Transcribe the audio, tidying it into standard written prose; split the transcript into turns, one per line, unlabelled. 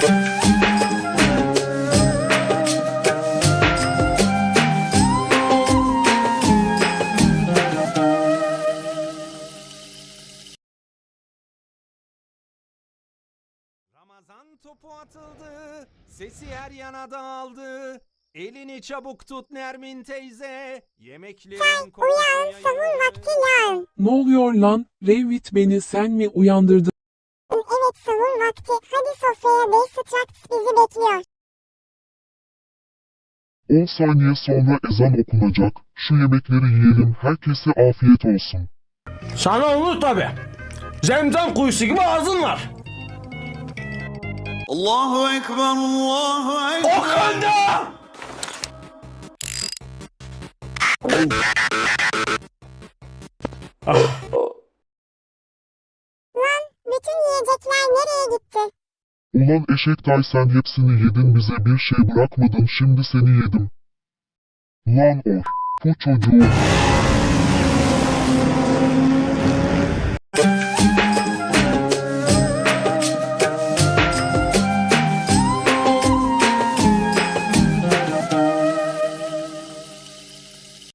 Ramazan topu atıldı, sesi her yana dağıldı. Elini çabuk tut Nermin teyze, yemeklerin kokusu
Uyan, sahur vakti lan.
Ne oluyor lan? Revit, beni sen mi uyandırdın?
Evet, sahur vakti. Hadi sofraya, Bey Straks bizi bekliyor.
10 saniye sonra ezan okunacak. Şu yemekleri yiyelim, herkese afiyet olsun.
Sana olur tabi. Zemzem kuyusu gibi ağzın var.
Allahu Ekber, Allahu Ekber.
Okanda!
Lan, bütün yiyecekler nereye gitti?
Ulan eşek tay, sen hepsini yedin, bize bir şey bırakmadın, şimdi seni yedim. Lan bu çocuğu.